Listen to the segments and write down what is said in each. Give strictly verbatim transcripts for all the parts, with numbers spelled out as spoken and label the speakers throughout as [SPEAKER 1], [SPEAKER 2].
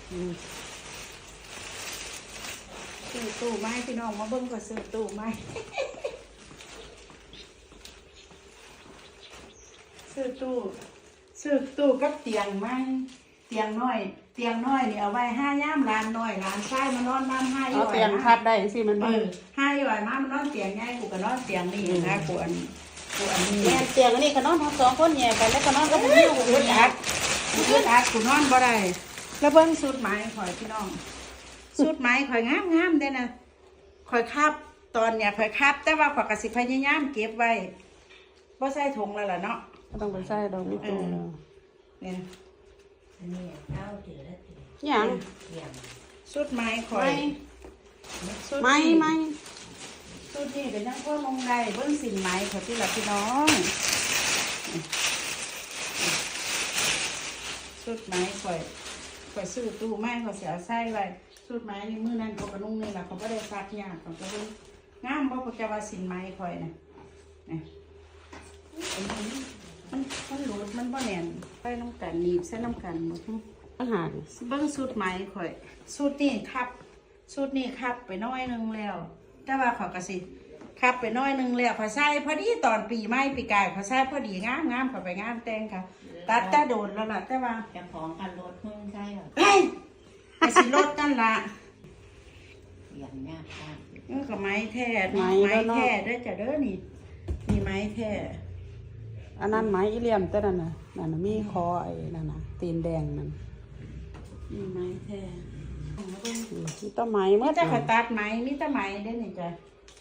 [SPEAKER 1] ซื้อตู้ไม้พี่น้องมาเบิ้งก็ซื้อตู้ไม้ซื้อตู้ซื้อตู้กับเตียงไม้เตียงน้อยเตียงน้อยนี่เอาไว้ห้าย่ามร้านน้อยร้านใช้มานอนน้ำห้าย่อย
[SPEAKER 2] เอาเตียงพับได้สิมัน
[SPEAKER 1] เออห้าย่อยมามันนอนเตียงง่ายกูก็นอนเตียงนี่นะกูอันกูอันนี้
[SPEAKER 2] แม่เตียงอันนี้ก็นอนทั้งสองคนแย่กันแล้วก็นอนก็บ่มี
[SPEAKER 1] กูอึดอัดกูอึดอัดกูนอนบ่ได้แล้วเบิ้งสูตรไม้ข่อยพี่น้องสูตรไม้ข่อยงามงามเด้นะข่อยคาบตอนเนี่ยข่อยคาบแต่ว่าข่อยกสิพยายามเก็บไว้บ่ใส่ถุงแล้วล่ะเนาะ
[SPEAKER 2] ก็ต้องไปใส่ดอกนี่ตัวแล้ว
[SPEAKER 1] เนี่ย
[SPEAKER 3] อันนี้เอาถือแล้วถือ
[SPEAKER 2] หยัง
[SPEAKER 3] เยี่ยม
[SPEAKER 1] สูตรไม้ข่อยสูตร
[SPEAKER 2] ไม่
[SPEAKER 1] นี่
[SPEAKER 2] ไม่
[SPEAKER 1] สูตรนี่เป็นทั้งพ่อมงได้เบิ้งสินไม้ข่อยที่ละพี่น้องสูตรไม้ข่อยข่อยซื้อตู้ไม้ข่อยเสียใส่ไว้สูตรไม้นี่มือนั้นเขากระนุ่งนี่แหละเขาก็ได้ซักยากเขาก็เลยงามเพราะเขาจะว่าสินไม้ข่อยนะนี่มันมันหลุดมันบ่แน่นไปน้ำกันหนีบใส่น้ำกันหมด
[SPEAKER 2] อาหาร
[SPEAKER 1] เบิ้งสูตรไม้ข่อยสูตรนี่ครับสูตรนี่ครับไปน้อยนึงแล้วแต่ว่าขอยกระสิครับไปน้อยนึงแล้วขอยใส่พอดีตอนปีใหม่ปีกายขอยใส่พอดีงามงามขอยไปงามแต่งค่ะตัดแต่โดนแล้วล่ะแต่ว่า
[SPEAKER 3] จะของกันรถเพิ่งใช่หรอ
[SPEAKER 1] เฮ้ยไปสิรถนั่นล่ะ
[SPEAKER 3] เยี่ยมยากมาก
[SPEAKER 1] นี่ก็ไม้แท้ไม้แท้เด้อจ้ะเด้อนี่นี่ไม้แท้
[SPEAKER 2] อันนั้นไม้อีเลี่ยมแต่นั่นน่ะนั่นน่ะมีคอไอ้นั่นน่ะตีนแดงนั่น
[SPEAKER 1] นี่ไม้แท้
[SPEAKER 2] มีต้นไม้
[SPEAKER 1] มี
[SPEAKER 2] เมื่อ
[SPEAKER 1] แต่ขอยตัดไม้มีแต่ไม้เด้อนี่จ้ะ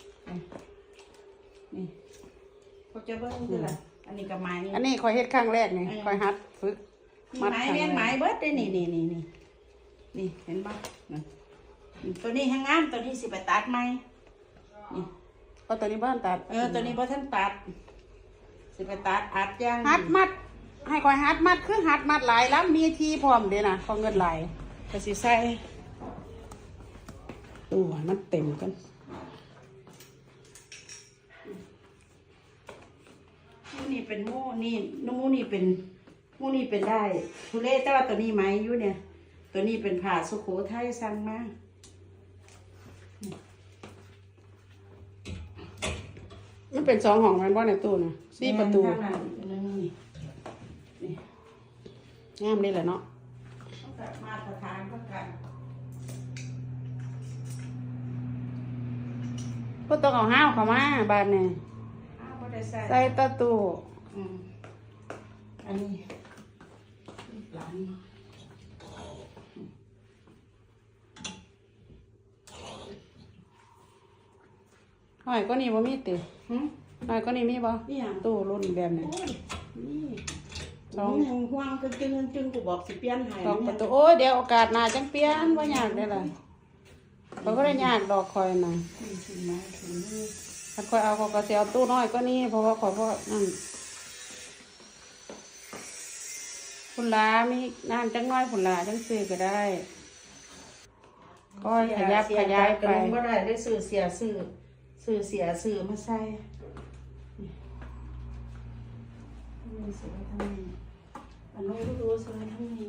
[SPEAKER 1] นี่เขาจะเบิ้งคือล่ะอันนี้ก็ไม้
[SPEAKER 2] อันนี้คอยเฮ็ดครั้งแรกนี่คอยหัดฝึก
[SPEAKER 1] ไม้แม่นไม้เบิดได้นี่นี่นี่นี่นี่เห็นปะนี่ตัวนี้ห้างงามตัวนี้สิไปตัดไหมนี่
[SPEAKER 2] เอาตัวนี้บ้านตัด
[SPEAKER 1] เออตัวนี้พอท่านตัดสิไปตัดอัดย่าง
[SPEAKER 2] หัดมัด ให้คอยหัดมัดคือหัดมัดหลายแล้วมีทีพร้อมเด้นะขอเงินหลาย
[SPEAKER 1] ก็สิใส่
[SPEAKER 2] ตัวมันเต็มกัน
[SPEAKER 1] มูนี่เป็นมูนี่นมูนี่เป็นมูนี่เป็นได้ทุเรศแต่ว่าตัวนี้ไม้อยู่เนี่ย ตัวนี้เป็นผ่าสุโขทัยสั่งมา
[SPEAKER 2] มันเป็นสองห้องแมันบ่ในตู้นะสี่ประตู
[SPEAKER 1] ข้างหน้าอีกอันนึงนี่นี่
[SPEAKER 2] งามนี่แหละเนาะ
[SPEAKER 1] ต้องแบบมาตรฐานก็กัน
[SPEAKER 2] ก็ต้องเอาห้าวเข้ามาบ้านเนี่ย
[SPEAKER 1] อ้าวบ่ได้ใส่
[SPEAKER 2] ใส่ตะตู้
[SPEAKER 1] อืมอันนี้หลาน
[SPEAKER 2] หน่อยก็นี่บ่มีติ
[SPEAKER 1] หึ
[SPEAKER 2] หน่อยก็นี่มีบ่
[SPEAKER 1] นี่หยัง
[SPEAKER 2] ตู้รุ่นแบบนี้
[SPEAKER 1] โอ้ยนี่
[SPEAKER 2] สอง
[SPEAKER 1] ห่วงห่วงจึงจึงจึงกูบอกสิเปลี่ยนให้
[SPEAKER 2] สองประตูโอ้ยเดี๋ยวโอกาสหน้าจังเปลี่ยนบ่ยากเด้อล่ะเขาก็ได้ยากดอกคอยน่ะ
[SPEAKER 1] นี่ถึงมาถึงนี่
[SPEAKER 2] ถ้าคอยเอาเขาก็สิเอาตู้น้อยก็นี่เพราะว่าขอยบ่นั่นคุณลามีน้ำจังน้อยคุณลาจังซื้อก็ได้ก็ขยับขยายไป
[SPEAKER 1] กระลงบ่ได้ได้ซื้อเสียซื้อซื้อเสียซื้อมาใส่นี่นี่ซื้อไว้ทำไมอันนู้นก็รู้ซื้อไว้ทำไม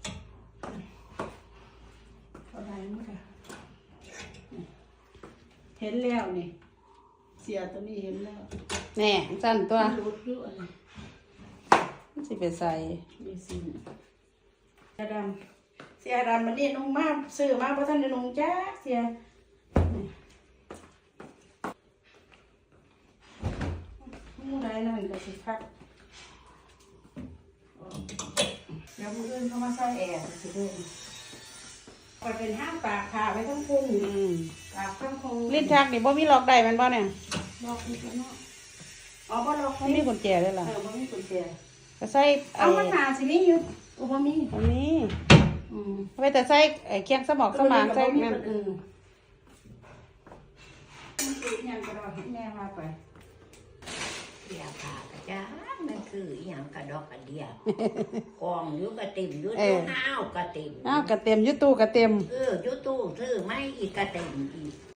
[SPEAKER 1] เอาได้หมดอ่ะนี่เห็นแล้วนี่เสียตัวนี้เห็นแล้ว
[SPEAKER 2] แน่สั่นตัว
[SPEAKER 1] รูดอยู่อะไร
[SPEAKER 2] มันสิไปใส่
[SPEAKER 1] มีสิเสียดำเสียดำมันนี่นุ่งมากซื้อมาเพราะท่านจะนุ่งจ้าเสียมูได้นั่นก็สิพักเดี๋ยวมืออื่นเขามาใส่แอร์สิเด้อคอยเป็นห้ามปากขาไว้ทั้งพุง
[SPEAKER 2] อืม
[SPEAKER 1] ปากทั้งพุง
[SPEAKER 2] ลิ้นชักนี่บ่มีล็อกได้แมันบ่เนี่ย
[SPEAKER 1] ล็อกอีกแล้วเนาะอ๋อบ่ล็อก
[SPEAKER 2] ไม่มีกุญแจเลยล่ะ
[SPEAKER 1] เออบ่มีกุญแจ
[SPEAKER 2] ก็ใส่
[SPEAKER 1] เอามันหนาสิมีอยู่อุบ่มี
[SPEAKER 2] อันนี้
[SPEAKER 1] อืม
[SPEAKER 2] ไว้แต่ใส่ไอ้เคียงสมองสมางใส่นั่น
[SPEAKER 1] อืมมันคือหยังก็ได้แม่ว่าไป
[SPEAKER 3] เดียผ่ากระจานั่นคืออหย่างกระดอกกระเดียกองอยุกระติ่มอยุตู้ห้าวกระติ่ม
[SPEAKER 2] อ้าวกระเต็มอยุตู้กระเต็ม
[SPEAKER 3] เอออยุตู้ซื้อไม่อีกกระติ่มอีก